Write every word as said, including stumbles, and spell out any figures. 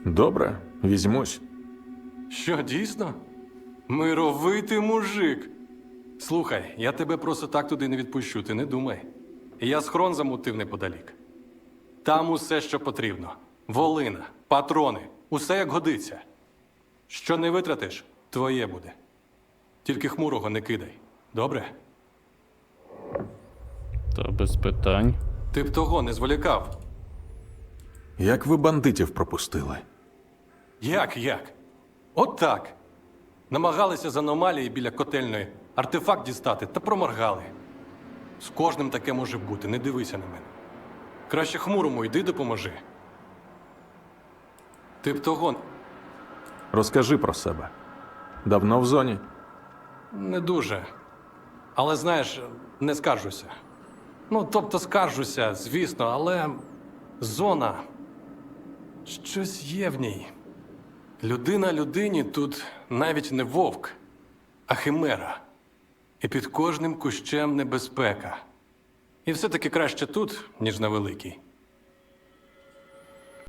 Добре, візьмусь. Що, дійсно? Мировитий мужик. Слухай, я тебе просто так туди не відпущу, ти не думай. Я схрон замутив неподалік. Там усе, що потрібно. Волина, патрони, усе як годиться. Що не витратиш, твоє буде. Тільки хмурого не кидай. Добре? Та без питань. Ти б того не зволікав. Як ви бандитів пропустили? Як, як? От так. Намагалися з аномалії біля котельної артефакт дістати та проморгали. З кожним таке може бути, не дивися на мене. Краще хмурому йди допоможи. Ти б того Розкажи про себе. Давно в зоні? не дуже. Але знаєш, не скаржуся. Ну, тобто скаржуся, звісно, але зона. Щось є в ній. Людина людині тут навіть не вовк, а химера. І під кожним кущем небезпека. І все-таки краще тут, ніж на великій.